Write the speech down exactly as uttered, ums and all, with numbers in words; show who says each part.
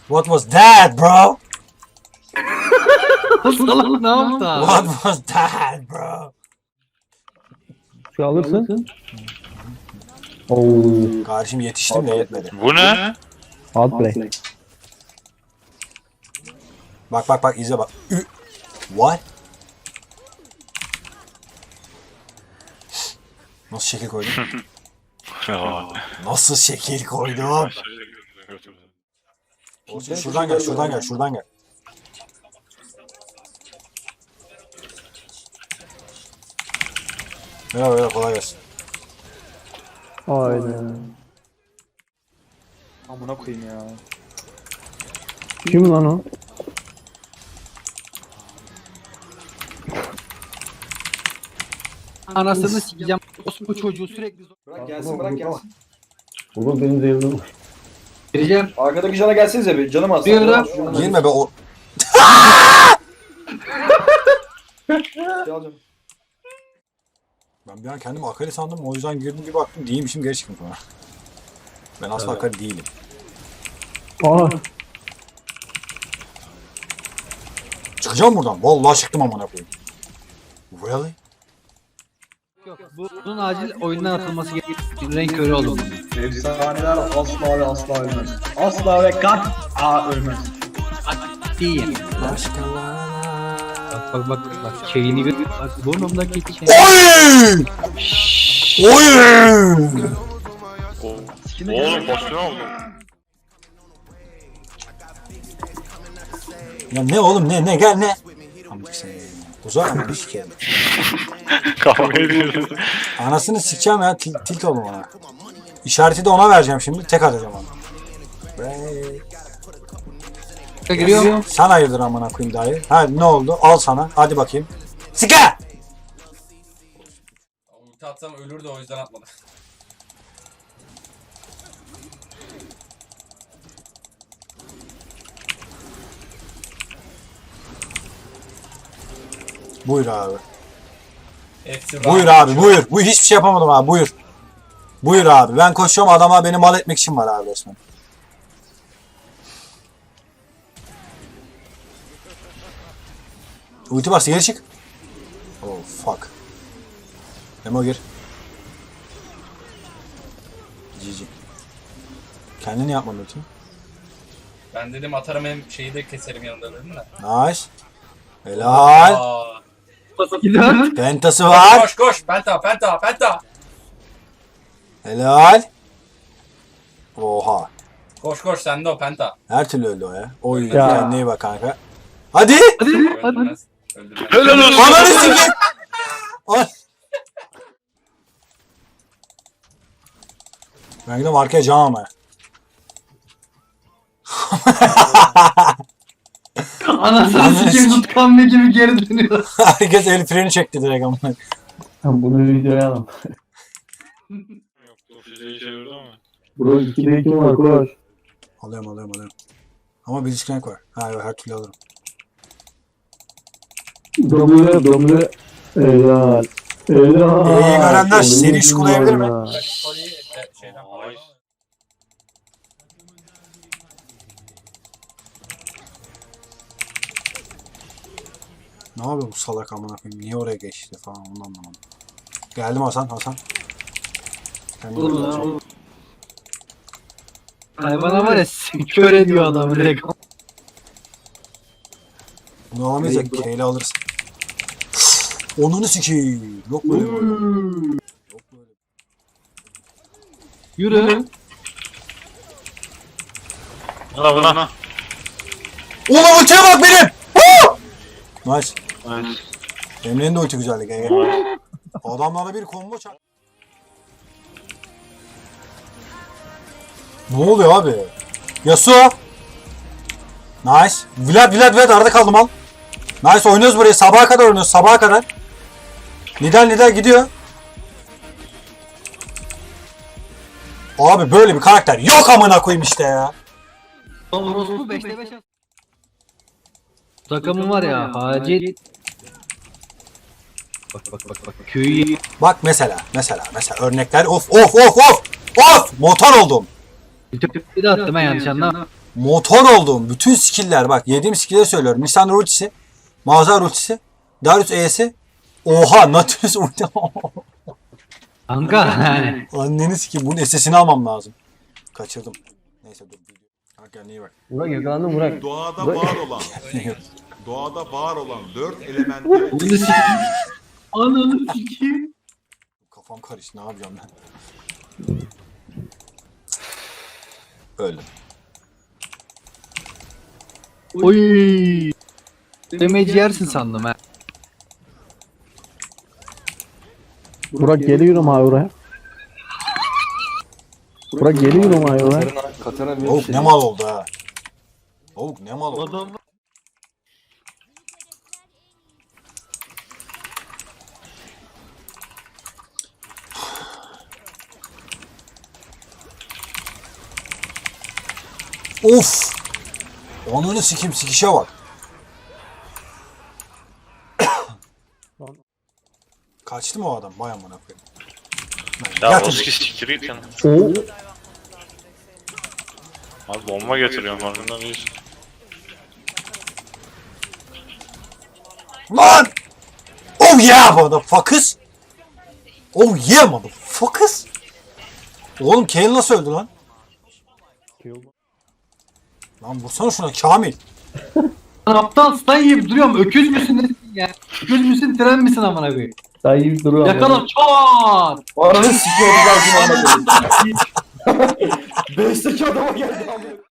Speaker 1: What was that bro?
Speaker 2: Salak ne yaptı abi?
Speaker 1: What was that bro?
Speaker 3: Şu alırsın. Oo.
Speaker 1: Kardeşim yetiştim de yetmedi.
Speaker 4: Bu ne?
Speaker 3: Outplay.
Speaker 1: Bak bak bak izle bak. Ü- What? Nasıl şekil koydum? Nasıl şekil koydum? Olsun, şuradan gel, şuradan gel, şuradan gel. Merhaba, merhaba, kolay gelsin.
Speaker 3: Aynen.
Speaker 5: Amına koyayım ya.
Speaker 3: Kim lan o?
Speaker 2: Anasını sikeceğim. Bu çocuğu sürekli zor.
Speaker 5: Bırak gelsin bırak gelsin.
Speaker 3: Baba benim zevrim.
Speaker 2: Gireceğim.
Speaker 5: Arkadaki cana gelsenize bir canım az.
Speaker 2: Bir ara-
Speaker 1: Girme be o... Ben bir an kendimi Akali sandım, o yüzden girdim bir baktım değilmişim, geri çıktım sonra. Ben asla Akali değilim.
Speaker 3: Aa.
Speaker 1: Çıkacağım buradan, vallahi çıktım amına koyayım. Really?
Speaker 2: Yok, bu- bunun acil oyundan atılması gerekiyor. Renk körü oldu.
Speaker 5: Efsaneler asla ve asla ölmez. Asla ve kat a ölmez.
Speaker 2: Değil. Bak bak bak bak şeyini gör. Bak burnumdaki şey.
Speaker 1: Oy! Oy!
Speaker 4: Oğlum pozisyon oldu.
Speaker 1: Ya ne oğlum ne ne gel ne? Amcık seni. Uzak ama bir sikerim.
Speaker 4: Kavga ediyoruz.
Speaker 1: Anasını sikeceğim ya, til- tilt oğlum ona. İşareti de ona vereceğim şimdi, tek atacağım ona.
Speaker 2: Giriyor.
Speaker 1: Sen hayırdır amına koyayım dayı. Ha ne oldu? Al sana. Hadi bakayım. Sika!
Speaker 6: Ulti atsam ölürdü, o yüzden atmadı.
Speaker 1: Buyur abi.
Speaker 6: Hepsi
Speaker 1: Buyur
Speaker 6: var.
Speaker 1: abi buyur. Bu hiçbir şey yapamadım abi buyur. Buyur abi. Ben koşuyorum, adama beni mal etmek için var abi resmen. Ulti bastı, geri çık. Oh fuck. Memo gir. G G. Kendini yapmadın ulti.
Speaker 6: Ben dedim atarım, hem şeyi de keserim yanında dedim de.
Speaker 1: Nice. Helal.
Speaker 6: Aa.
Speaker 2: Gidiyor.
Speaker 1: Pentası var.
Speaker 6: Koş koş, penta penta penta.
Speaker 1: Helal. Oha.
Speaker 6: Koş koş, sende o penta.
Speaker 1: Her türlü öldü o ya. Oy
Speaker 6: Ya.
Speaker 1: kendine iyi bak kanka. Hadi.
Speaker 2: Hadi hadi.
Speaker 6: Öldürmez. Öldürmez.
Speaker 4: Helal olsun.
Speaker 1: Ananı sikeyim. Ay. Ben gidiyorum arkaya cam ama.
Speaker 2: Anasını sikeyim, tutkan ne gibi geri dönüyor.
Speaker 1: Herkes el freni çekti direkt ama.
Speaker 3: Bunu videoya alalım.
Speaker 4: Yok, bu füzeyi çevirdi ama.
Speaker 3: Bro ikide iki var koş.
Speaker 1: Alıyorum alıyorum alıyorum. Ama bir disconnect var. Ha yok, her türlü alırım.
Speaker 3: Domlu domlu. Helal. Helal.
Speaker 1: İyi görenler seri iş kullanabilir mi?
Speaker 6: Kolyeyi e, şeyden
Speaker 4: Ay.
Speaker 1: Ne yapıyor bu salak amına koyayım? Niye oraya geçti falan, onu anlamadım. Geldim Hasan, Hasan. Kendine
Speaker 2: Oğlum
Speaker 1: bak.
Speaker 2: ya, oğlum. Hayvana var ya, kör ediyor adamı direkt.
Speaker 1: Bunu alamayız ya, keyle alırsın. Onunu sikeyim. Yok böyle bir oyun. Yok böyle.
Speaker 2: Yürü.
Speaker 4: Buna buna.
Speaker 1: Ulan ultiye bak benim! Woo! Nice.
Speaker 4: Nice.
Speaker 1: Emre'nin de ulti güzeldi. Gel gel. Adamlarla bir combo çak. Ne oluyor abi? Yasuo. Nice. Vlad Vlad Vlad arada kaldım al. Nice, oynuyoruz burayı. Sabaha kadar oynuyoruz. Sabaha kadar. Nidal Nidal gidiyor. Abi böyle bir karakter yok amına koyayım işte ya.
Speaker 2: Orospu beşte beş. Takımım var ya, acil. Bak bak bak bak. Köyü
Speaker 1: Bak mesela mesela mesela örnekler, of of of of of motor oldum.
Speaker 2: bir de attım ben, yanlış anlama.
Speaker 1: motor olduğum bütün skill'ler bak yediğim skill'leri söylüyorum. Nisan ultisi, Mazhar ultisi, Darius E'si. Oha Nautilus ulti.
Speaker 2: Kanka yani.
Speaker 1: Anneni sikeyim bunun sesini almam lazım. Kaçırdım. Neyse dur. Bak kendine iyi bak.
Speaker 5: Burak yakalandın Burak.
Speaker 7: Doğada var olan, doğada var olan dört elementi
Speaker 2: Bunu sikeyim. Ananı sikeyim.
Speaker 1: Kafam karıştı ne yapacağım ben. Öyle.
Speaker 2: Oy. Demeci yersin sandım ha.
Speaker 3: Burak geliyorum abi buraya. Burak geliyorum abi buraya.
Speaker 1: Tavuk ne mal oldu ha. Tavuk ne mal oldu. Of. Onunu sikim sikişe bak. Kaçtı mı o adam? Vay amına koyayım.
Speaker 4: Ya
Speaker 1: Yat
Speaker 4: Oski siktir git yana.
Speaker 3: Oo.
Speaker 4: Abi bomba getiriyorum farkında değilsin.
Speaker 1: Lan! Oh yeah motherfuckers! Oh yeah motherfuckers! Oğlum Kayle nasıl öldü lan? Lan vursana şuna Kamil.
Speaker 2: Lan aptal stun yiyip duruyorum. Öküz müsün nesin ya? Öküz müsün tren misin amına koyayım?
Speaker 3: Daha iyi bir durum var.
Speaker 2: Yakala çat.
Speaker 5: Ananı sikiyorum ben. Beşteki adama geldi.